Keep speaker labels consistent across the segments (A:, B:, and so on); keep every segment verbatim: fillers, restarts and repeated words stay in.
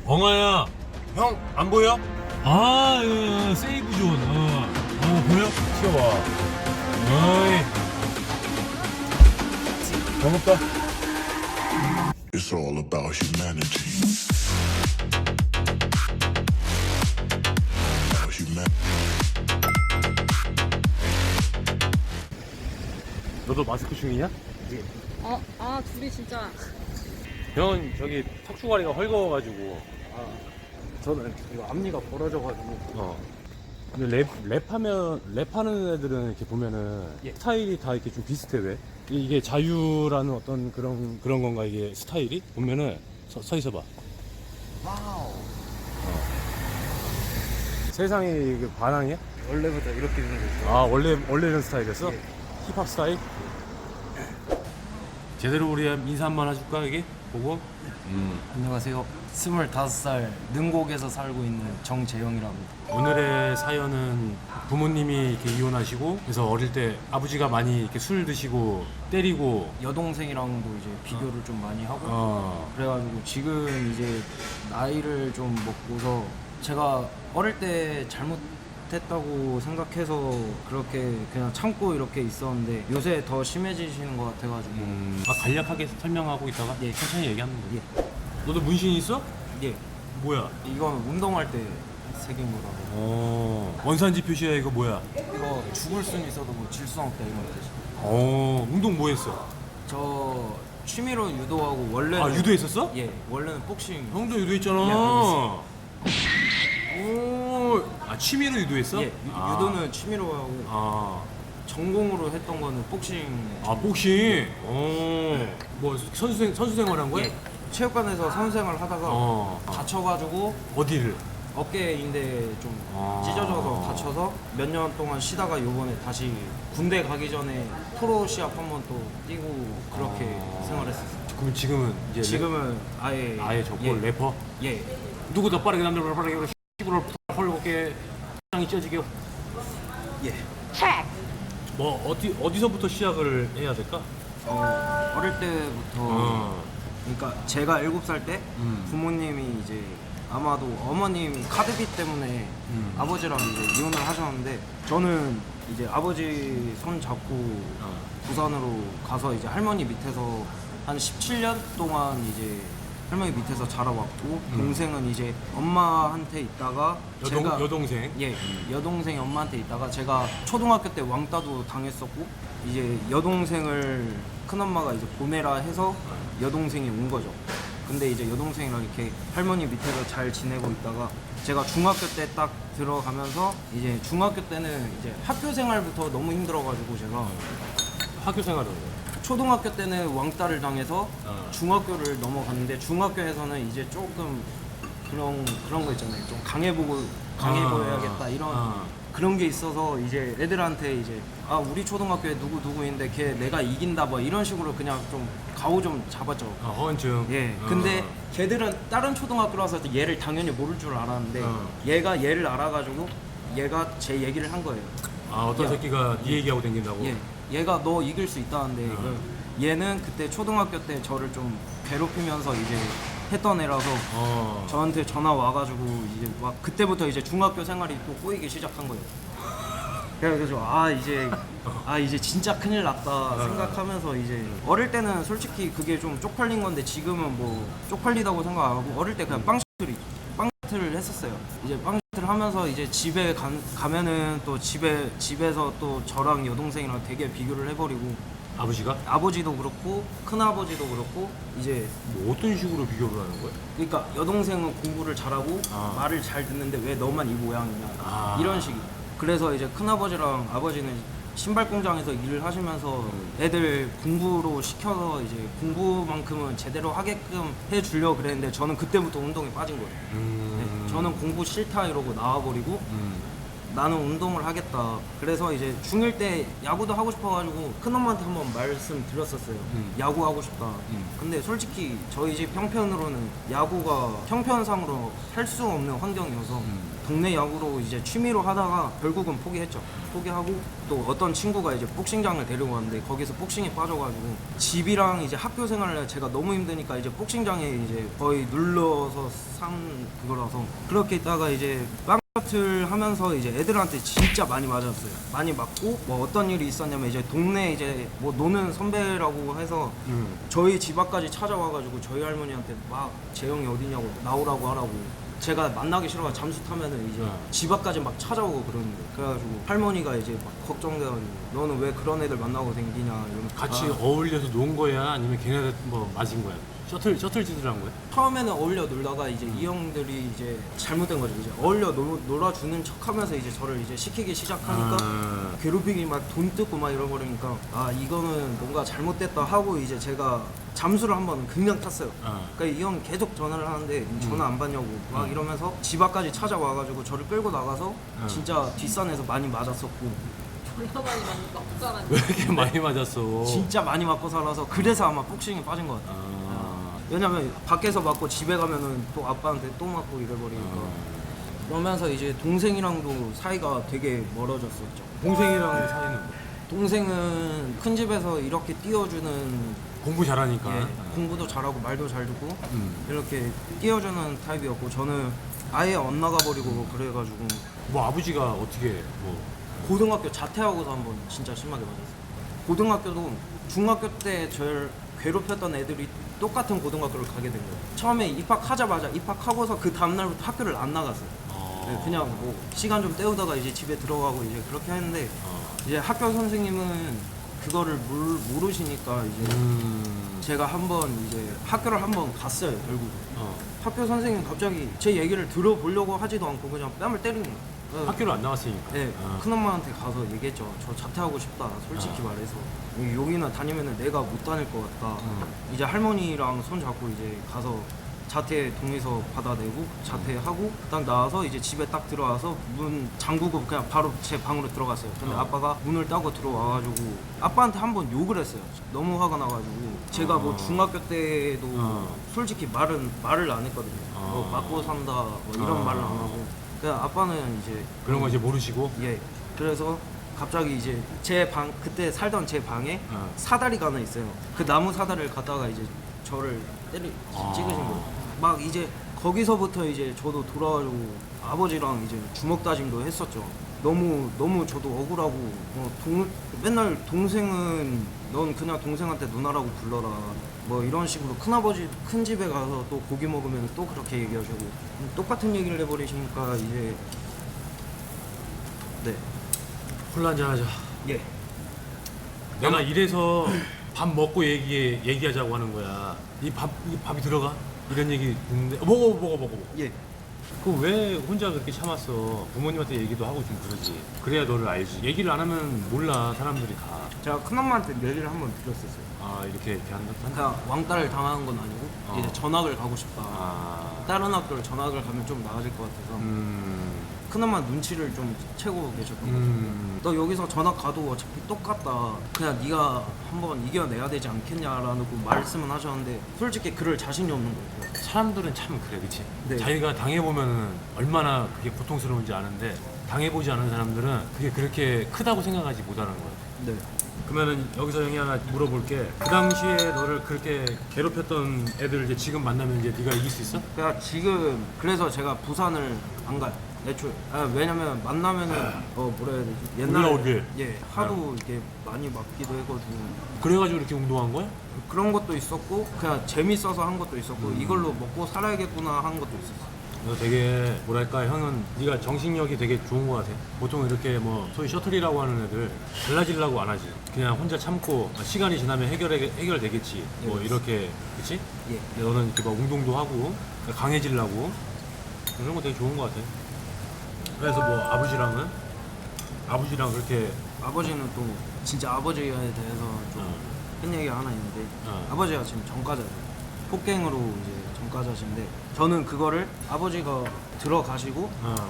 A: 엉아야, 형 안 보여? 아, 어, 세이브 존. 어, 어 보여? 튀어와. 어이, 반갑다.
B: It's all about humanity. About humanity.
A: 너도 마스크 중이냐?
C: 어, 아, 둘이 진짜.
A: 형은 저기 턱주가리가 헐거워가지고.
D: 아, 저는 이거 앞니가 벌어져가지고.
A: 어. 근데 랩, 랩하면, 랩하는 애들은 이렇게 보면은
D: 예.
A: 스타일이 다 이렇게 좀 비슷해, 왜? 이- 이게 자유라는 어떤 그런, 그런 건가, 이게 스타일이? 보면은 서, 서 있어봐.
D: 와우.
A: 세상이 그 반항이야?
D: 원래부터 이렇게 되는 거죠.
A: 아, 원래, 원래 이런 스타일이었어?
D: 예.
A: 힙합 스타일? 제대로 우리 인사 한번 해줄까, 이게? 보고? 음.
D: 안녕하세요. 스물다섯 살 능곡에서 살고 있는 정재영이라고 합니다.
A: 오늘의 사연은 부모님이 이렇게 이혼하시고, 그래서 어릴 때 아버지가 많이 이렇게 술 드시고, 때리고,
D: 여동생이랑도 이제 비교를 좀 많이 하고
A: 어,
D: 그래가지고 지금 이제 나이를 좀 먹고서 제가 어릴 때 잘못했다고 생각해서 그렇게 그냥 참고 이렇게 있었는데 요새 더 심해지시는 것 같아가지고
A: 음, 아, 간략하게 설명하고 있다가
D: 예.
A: 천천히 얘기하면 돼.
D: 예.
A: 너도 문신 있어?
D: 예.
A: 뭐야?
D: 이건 운동할 때 새긴 거라고.
A: 어, 원산지 표시야, 이거 뭐야?
D: 이거 죽을 순 있어도 뭐 질 수 없다 이런 뜻이.
A: 어, 운동 뭐 했어?
D: 저 취미로 유도하고 원래는
A: 아, 유도했었어?
D: 예, 원래는 복싱.
A: 형도 유도했잖아.
D: 예,
A: 오, 아, 취미로 유도했어?
D: 예, 유,
A: 아.
D: 유도는 취미로 하고
A: 아,
D: 전공으로 했던 거는 복싱.
A: 아, 복싱. 어, 뭐 선수생 선수 생활한 거야?
D: 예, 체육관에서 선생을 하다가
A: 어, 어.
D: 다쳐가지고
A: 어디를?
D: 어깨인데 좀
A: 아.
D: 찢어져서 다쳐서 몇 년 동안 쉬다가 요번에 다시 군대 가기 전에 프로 시합 한 번 또 뛰고 그렇게
A: 아.
D: 생활했었어요.
A: 그럼 지금은 이제
D: 지금은 아예
A: 랩, 아예 접고
D: 예,
A: 래퍼?
D: 예.
A: 누구 더 빠르게 남들보다 빠르게 힙으로 헐겁게 장이 찢어지게.
D: 예.
A: 뭐 어디 어디서부터 시작을 해야 될까?
D: 어, 어릴 때부터
A: 어.
D: 그러니까 제가 일곱 살 때
A: 음.
D: 부모님이 이제 아마도 어머님 카드비 때문에
A: 음.
D: 아버지랑 이제 이혼을 하셨는데 저는 이제 아버지 손 잡고
A: 어.
D: 부산으로 가서 이제 할머니 밑에서 한 십칠 년 동안 이제 할머니 밑에서 자라왔고
A: 음.
D: 동생은 이제 엄마한테 있다가
A: 여동
D: 제가
A: 여동생.
D: 예, 여동생이 엄마한테 있다가 제가 초등학교 때 왕따도 당했었고 이제 여동생을 큰엄마가 이제 보내라 해서 여동생이 온 거죠. 근데 이제 여동생이랑 이렇게 할머니 밑에서 잘 지내고 있다가 제가 중학교 때 딱 들어가면서 이제 중학교 때는 이제 학교 생활부터 너무 힘들어가지고 제가
A: 학교 생활은.
D: 초등학교 때는 왕따를 당해서
A: 어.
D: 중학교를 넘어갔는데 중학교에서는 이제 조금 그런 그런 거 있잖아요. 좀 강해 보고 강해
A: 아.
D: 보여야겠다 이런
A: 아.
D: 그런 게 있어서 이제 애들한테 이제 아 우리 초등학교에 누구 누구인데 걔 내가 이긴다 뭐 이런 식으로 그냥 좀 가오 좀 잡았죠.
A: 아, 허언증.
D: 예.
A: 어.
D: 근데 걔들은 다른 초등학교라서 얘를 당연히 모를 줄 알았는데
A: 어.
D: 얘가 얘를 알아가지고 얘가 제 얘기를 한 거예요.
A: 아, 어떤
D: 야.
A: 새끼가 네 얘기하고 다닌다고?
D: 예, 얘가 너 이길 수 있다는데
A: 어.
D: 그 얘는 그때 초등학교 때 저를 좀 괴롭히면서 이제 했던 애라서
A: 어.
D: 저한테 전화 와가지고 이제 막 그때부터 이제 중학교 생활이 또 꼬이기 시작한 거예요. 그래가지고 아 이제 아 이제 진짜 큰일 났다 생각하면서 이제 어릴 때는 솔직히 그게 좀 쪽팔린 건데 지금은 뭐 쪽팔리다고 생각 안 하고 어릴 때 그냥 빵시틀이 빵시틀을 했었어요. 이제 빵시틀 하면서 이제 집에 가, 가면은 또 집에 집에서 또 저랑 여동생이랑 되게 비교를 해버리고
A: 아버지가?
D: 아버지도 그렇고 큰아버지도 그렇고 이제
A: 뭐 어떤 식으로 비교를 하는 거야?
D: 그러니까 여동생은 공부를 잘하고
A: 아.
D: 말을 잘 듣는데 왜 너만 이 모양이냐
A: 아.
D: 이런 식이. 그래서 이제 큰아버지랑 아버지는 신발 공장에서 일을 하시면서 애들 공부로 시켜서 이제 공부만큼은 제대로 하게끔 해주려고 그랬는데 저는 그때부터 운동에 빠진 거예요.
A: 음.
D: 네, 저는 공부 싫다 이러고 나와버리고
A: 음.
D: 나는 운동을 하겠다. 그래서 이제 중일 때 야구도 하고 싶어가지고 큰엄마한테 한번 말씀드렸었어요.
A: 음.
D: 야구 하고 싶다.
A: 음.
D: 근데 솔직히 저희 집 형편으로는 야구가 형편상으로 할 수 없는 환경이어서
A: 음.
D: 동네 야구로 이제 취미로 하다가 결국은 포기했죠. 포기하고 또 어떤 친구가 이제 복싱장을 데리고 왔는데 거기서 복싱에 빠져가지고 집이랑 이제 학교 생활을 제가 너무 힘드니까 이제 복싱장에 이제 거의 눌러서 산 그거라서 그렇게 있다가 이제 빵셔틀 하면서 이제 애들한테 진짜 많이 맞았어요. 많이 맞고 뭐 어떤 일이 있었냐면 이제 동네 이제 뭐 노는 선배라고 해서
A: 음.
D: 저희 집 앞까지 찾아와가지고 저희 할머니한테 막 재영이 어디냐고 나오라고 하라고 제가 만나기 싫어가 잠수 타면은 이제
A: 어.
D: 집 앞까지 막 찾아오고 그러는데 그래가지고 할머니가 이제 막 걱정돼가지고 너는 왜 그런 애들 만나고 댕기냐 이러면서
A: 같이
D: 아,
A: 어울려서 논 거야? 아니면 걔네들 뭐 맞은 거야? 셔틀 셔틀 짓을 한 거야?
D: 처음에는 어울려 놀다가 이제 이 형들이 이제 잘못된 거죠. 이제 어울려 놀, 놀아주는 척하면서 이제 저를 이제 시키기 시작하니까
A: 아.
D: 괴롭히기 막 돈 뜯고 막 이러버리니까 아 이거는 뭔가 잘못됐다 하고 이제 제가 잠수를 한번 그냥 탔어요.
A: 아.
D: 그러니까 이 형 계속 전화를 하는데 전화 안 받냐고 막
A: 음.
D: 이러면서 집 앞까지 찾아와가지고 저를 끌고 나가서
A: 음.
D: 진짜 뒷산에서 많이 맞았었고
C: 졸라 많이 맞는 맞고 자랐네.
A: 왜 이렇게 많이 맞았어?
D: 진짜 많이 맞고 살아서 그래서 아마 복싱에 빠진 것 같아요.
A: 아.
D: 왜냐면 밖에서 맞고 집에 가면은 또 아빠한테 또 맞고 이래버리니까
A: 아.
D: 그러면서 이제 동생이랑도 사이가 되게 멀어졌었죠.
A: 동생이랑 사이는 뭐?
D: 동생은 큰 집에서 이렇게 띄워주는
A: 공부 잘하니까.
D: 예,
A: 아.
D: 공부도 잘하고 말도 잘 듣고
A: 음.
D: 이렇게 띄워주는 타입이었고 저는 아예 엇나가 버리고 그래가지고
A: 뭐 아버지가 어떻게 뭐
D: 고등학교 자퇴하고서 한번 진짜 심하게 맞았어요. 고등학교도 중학교 때 저를 괴롭혔던 애들이 똑같은 고등학교를 가게 된 거예요. 처음에 입학하자마자 입학하고서 그 다음날부터 학교를 안 나갔어요.
A: 어.
D: 네, 그냥 뭐 시간 좀 때우다가 이제 집에 들어가고 이제 그렇게 했는데
A: 어.
D: 이제 학교 선생님은 그거를 모르, 모르시니까 이제
A: 음.
D: 제가 한번 이제 학교를 한번 갔어요. 결국
A: 어.
D: 학교 선생님 갑자기 제 얘기를 들어보려고 하지도 않고 그냥 뺨을 때리는 거예요. 네.
A: 학교를 안 나왔으니까.
D: 네,
A: 아.
D: 큰엄마한테 가서 얘기했죠. 저 자퇴하고 싶다. 솔직히
A: 아.
D: 말해서 여기나 다니면은 내가 못 다닐 것 같다.
A: 음.
D: 이제 할머니랑 손 잡고 이제 가서 자퇴 동의서 받아내고 자퇴하고 딱 나와서 이제 집에 딱 들어와서 문 잠그고 그냥 바로 제 방으로 들어갔어요. 근데
A: 어.
D: 아빠가 문을 따고 들어와가지고 아빠한테 한번 욕을 했어요. 너무 화가 나가지고 제가 뭐
A: 어.
D: 중학교 때도
A: 어.
D: 솔직히 말은 말을 안 했거든요.
A: 어.
D: 뭐 맞고 산다 뭐 이런
A: 어.
D: 말을 안 하고 그냥 아빠는 이제
A: 그런 거 이제 모르시고.
D: 예. 그래서 갑자기 이제 제 방 그때 살던 제 방에
A: 어.
D: 사다리가 하나 있어요. 그 나무 사다리를 갖다가 이제 저를 때리
A: 아.
D: 찍으신 거예요. 막 이제 거기서부터 이제 저도 돌아가지고 아버지랑 이제 주먹 다짐도 했었죠. 너무 너무 저도 억울하고 뭐 동, 맨날 동생은 넌 그냥 동생한테 누나라고 불러라 뭐 이런 식으로 큰아버지 큰 집에 가서 또 고기 먹으면 또 그렇게 얘기하시고 똑같은 얘기를 해버리시니까 이제 네.
A: 콜라 한잔 하자.
D: 예.
A: 내가 이래서 밥 먹고 얘기 얘기하자고 하는 거야. 이 밥 이 밥이 들어가? 이런 얘기 듣는데 어, 먹어 먹어 먹어 먹어.
D: 예.
A: 그 왜 혼자 그렇게 참았어? 부모님한테 얘기도 하고 좀 그러지. 그래야 너를 알지. 얘기를 안 하면 몰라 사람들이 다.
D: 제가 큰엄마한테 얘기를 한번 드렸었어요.
A: 아 이렇게 이렇게 한다. 한다.
D: 그냥 왕따를 당하는 건 아니고
A: 어.
D: 이제 전학을 가고 싶다.
A: 아.
D: 다른 학교를 전학을 가면 좀 나아질 것 같아서
A: 음.
D: 큰엄마 눈치를 좀 채고 계셨던 것 같아요.
A: 음.
D: 너 여기서 전학 가도 어차피 똑같다. 그냥 네가 한번 이겨내야 되지 않겠냐라는 그 말씀은 하셨는데 솔직히 그럴 자신이 없는 거예요.
A: 사람들은 참 그래, 그치?
D: 네.
A: 자기가 당해보면 얼마나 그게 고통스러운지 아는데 당해보지 않은 사람들은 그게 그렇게 크다고 생각하지 못하는 거야.
D: 네.
A: 그러면은 여기서 형이 하나 물어볼게. 그 당시에 너를 그렇게 괴롭혔던 애들 이제 지금 만나면 이제 네가 이길 수 있어?
D: 그러니까 지금 그래서 제가 부산을 안 가요. 애초에. 아, 왜냐면 만나면은 어 뭐라 해야 되지? 옛날에
A: 올라오길.
D: 예 하도 이렇게 많이 맞기도 해가지고
A: 그래가지고 이렇게 운동한 거야?
D: 그런 것도 있었고 그냥 재밌어서 한 것도 있었고
A: 음.
D: 이걸로 먹고 살아야겠구나 한 것도 있었어.
A: 너 되게 뭐랄까 형은 네가 정신력이 되게 좋은 거 같아. 보통 이렇게 뭐 소위 셔틀이라고 하는 애들 달라지려고 안 하지. 그냥 혼자 참고 시간이 지나면 해결 해결되겠지. 뭐
D: 네,
A: 이렇게 그렇지?
D: 예.
A: 근데 너는 이렇게 막 운동도 하고 강해지려고 그런 거 되게 좋은 거 같아. 그래서 뭐 아버지랑은 아버지랑 그렇게
D: 아버지는 또 진짜 아버지에 대해서 좀
A: 어,
D: 큰 얘기가 하나 있는데
A: 어.
D: 아버지가 지금 전과자예요. 폭행으로 이제 전과자신데 저는 그거를 아버지가 들어가시고
A: 어,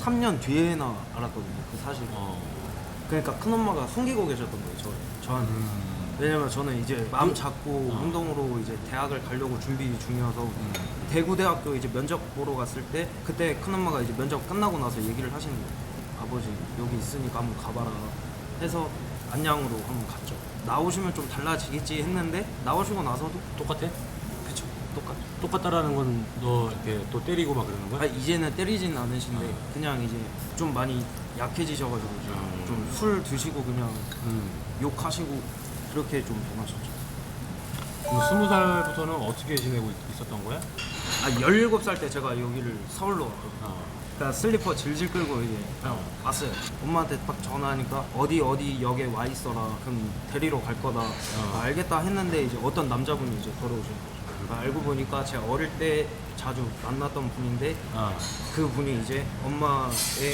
D: 삼 년 뒤에나 알았거든요. 그 사실.
A: 어.
D: 그러니까 큰엄마가 숨기고 계셨던 거예요. 저 저한테.
A: 음.
D: 왜냐면 저는 이제 마음 잡고
A: 어.
D: 운동으로 이제 대학을 가려고 준비 중이어서
A: 음.
D: 대구대학교 이제 면접 보러 갔을 때 그때 큰엄마가 이제 면접 끝나고 나서 얘기를 하시는 거예요. 아버지 여기 있으니까 한번 가봐라 해서 안양으로 한번 갔죠. 나오시면 좀 달라지겠지 했는데 나오시고 나서도
A: 똑같아?
D: 그쵸 똑같죠.
A: 똑같다라는 건 너 이렇게 또 때리고 막 그러는 거야?
D: 아, 이제는 때리진 않으신데
A: 어.
D: 그냥 이제 좀 많이 약해지셔가지고
A: 음.
D: 좀 술 드시고 그냥
A: 음.
D: 욕하시고 그렇게 좀 변하셨죠.
A: 그럼 스무 살부터는 어떻게 지내고 있- 있었던 거야?
D: 아 열일곱 살 때 제가 여기를 서울로 왔거든요.
A: 어.
D: 그러니까 슬리퍼 질질 끌고 이제 그냥 왔어요. 엄마한테 딱 전화하니까 어디 어디 역에 와 있어라. 그럼 데리러 갈 거다. 아, 알겠다 했는데 이제 어떤 남자분이 이제 걸어오신 거죠. 아, 알고 보니까 제가 어릴 때 자주 만났던 분인데
A: 아.
D: 그 분이 이제 엄마의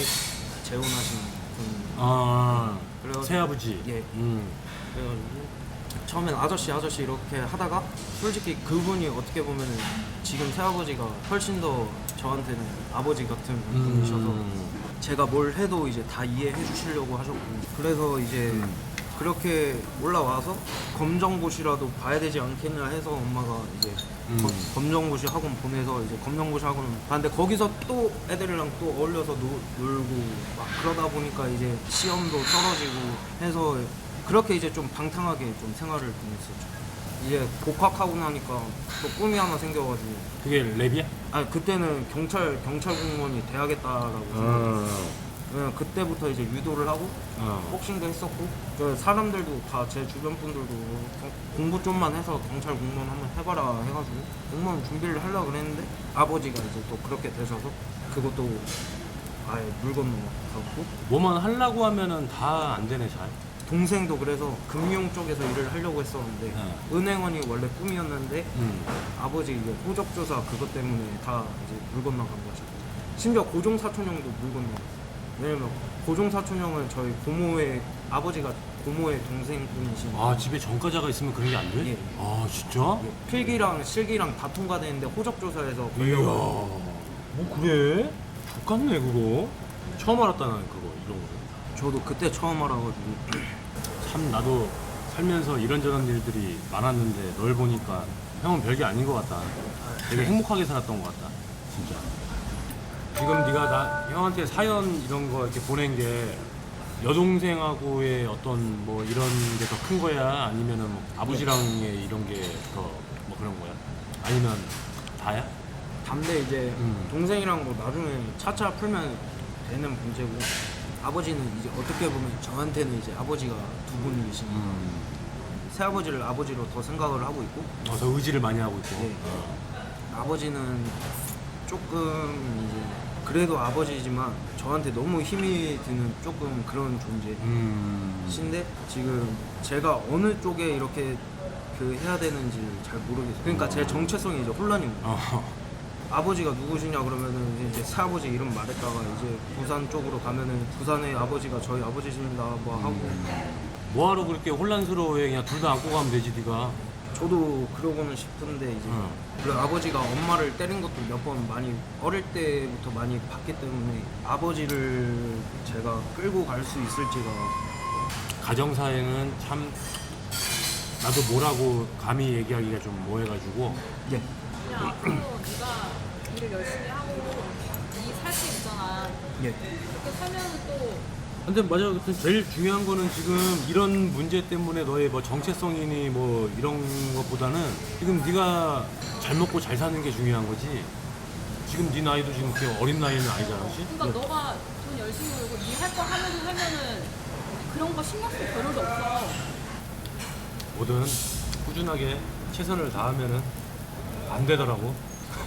D: 재혼하신 분.
A: 아.
D: 그래가지고-
A: 새아버지.
D: 예.
A: 음.
D: 그래가지고 처음엔 아저씨 아저씨 이렇게 하다가 솔직히 그분이 어떻게 보면은 지금 새아버지가 훨씬 더 저한테는 아버지 같은 분이셔서
A: 음.
D: 제가 뭘 해도 이제 다 이해해 주시려고 하셨고 그래서 이제
A: 음.
D: 그렇게 올라와서 검정고시라도 봐야 되지 않겠냐 해서 엄마가 이제
A: 음.
D: 검- 검정고시 학원 보내서 이제 검정고시 학원 봤는데 거기서 또 애들이랑 또 어울려서 노, 놀고 막 그러다 보니까 이제 시험도 떨어지고 해서 그렇게 이제 좀 방탕하게 좀 생활을 보냈었죠. 이제 복학하고 나니까 또 꿈이 하나 생겨가지고
A: 그게 랩이야?
D: 아 그때는 경찰 경찰 공무원이 돼야겠다라고
A: 어.
D: 생각했어요. 그냥 그때부터 이제 유도를 하고
A: 어.
D: 복싱도 했었고 그 사람들도 다 제 주변 분들도 경- 공부 좀만 해서 경찰 공무원 한번 해봐라 해가지고 공무원 준비를 하려고 그랬는데 아버지가 이제 또 그렇게 되셔서 그것도 아예 물 건너가고
A: 뭐만 하려고 하면은 다 안 되네 잘.
D: 동생도 그래서 금융 쪽에서 일을 하려고 했었는데
A: 네.
D: 은행원이 원래 꿈이었는데
A: 음.
D: 아버지 이제 호적조사 그것 때문에 다 이제 물 건너간 거죠. 심지어 고종 사촌형도 물 건너갔어요. 왜냐면 고종 사촌형은 저희 고모의 아버지가 고모의 동생분이신
A: 아 집에 전과자가 있으면 그런 게 안 돼?
D: 예.
A: 아 진짜?
D: 예, 필기랑 실기랑 다 통과되는데 호적조사에서
A: 이야.
D: 걸려가지고
A: 뭐 그래? 똑같네 그거. 처음 알았다 나는 그거 이런 거.
D: 저도 그때 처음 알아가지고
A: 참 나도 살면서 이런저런 일들이 많았는데 널 보니까 형은 별게 아닌 것 같다. 되게 행복하게 살았던 것 같다. 진짜. 지금 네가 나 형한테 사연 이런 거 이렇게 보낸 게 여동생하고의 어떤 뭐 이런 게 더 큰 거야? 아니면은 뭐 아버지랑의 이런 게 더 뭐 그런 거야? 아니면 다야?
D: 담대 이제
A: 음.
D: 동생이랑 뭐 나중에 차차 풀면 되는 문제고 아버지는 이제 어떻게 보면 저한테는 이제 아버지가 두 분이신
A: 음.
D: 새아버지를 아버지로 더 생각을 하고 있고
A: 어, 더 의지를 많이 하고 있고.
D: 네.
A: 어.
D: 아버지는 조금 이제 그래도 아버지지만 저한테 너무 힘이 드는 조금 그런 존재신데
A: 음.
D: 지금 제가 어느 쪽에 이렇게 그 해야 되는지 잘 모르겠어요. 그러니까 제 정체성이 이제 혼란인 거예요.
A: 어.
D: 아버지가 누구시냐 그러면은 이제 새아버지 이름 말했다가 이제 부산 쪽으로 가면은 부산의 아버지가 저희 아버지십니다 뭐 하고
A: 뭐하러 그렇게 혼란스러워해? 그냥 둘 다 안고 가면 되지 네가.
D: 저도 그러고는 싶은데 이제
A: 응.
D: 그리고 아버지가 엄마를 때린 것도 몇 번 많이 어릴 때부터 많이 봤기 때문에 아버지를 제가 끌고 갈 수 있을지가
A: 가정사에는 참 나도 뭐라고 감히 얘기하기가 좀 뭐해가지고.
D: 예
C: 그냥 앞으로 네가 일을 열심히 하고 네살수 있잖아.
D: 예.
C: 그렇게 살면 또
A: 근데 맞아. 근데 제일 중요한 거는 지금 이런 문제 때문에 너의 뭐 정체성이니 뭐 이런 것보다는 지금 네가 잘 먹고 잘 사는 게 중요한 거지. 지금 네 나이도 지금 그렇게 어린 나이는 아니잖아, 그렇지?
C: 그러니까 너가 돈 열심히 벌고 네 할 거 하면서 살면은 그런 거 신경 쓸 겨를도 없어.
A: 뭐든 꾸준하게 최선을 다하면은 안 되더라고.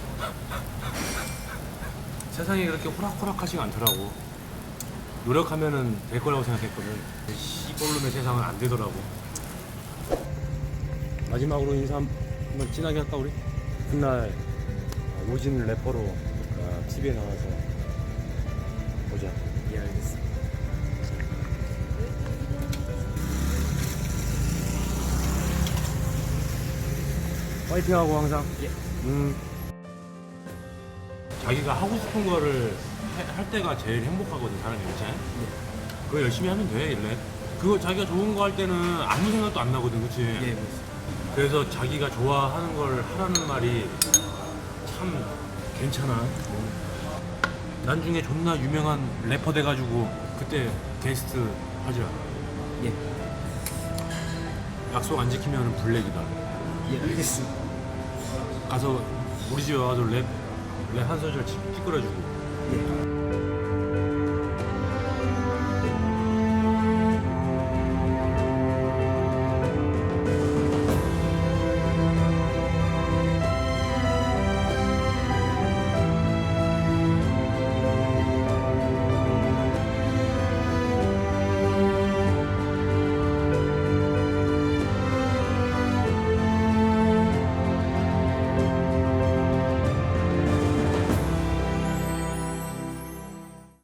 A: 세상이 그렇게 호락호락하지가 않더라고. 노력하면은 될 거라고 생각했거든. 시골놈의 세상은 안 되더라고. 마지막으로 인사 한번 진하게 할까 우리? 그날 오진 래퍼로 티비에 나와서 보자.
D: 예 알겠습니다.
A: 파이팅하고 항상.
D: 예.
A: 자기가 하고 싶은 거를 할 때가 제일 행복하거든 사람이 그치? 그거 열심히 하면 돼 랩. 그거 자기가 좋은 거 할 때는 아무 생각도 안 나거든 그치?
D: 예,
A: 그래서 자기가 좋아하는 걸 하라는 말이 참 괜찮아. 나중에 존나 유명한 래퍼 돼가지고 그때 게스트 하자.
D: 예,
A: 약속 안 지키면 블랙이다.
D: 예, 알겠습니다.
A: 가서 우리 집에 와서 랩, 랩 한 소절 찌- 찌끄러주고.
D: 예.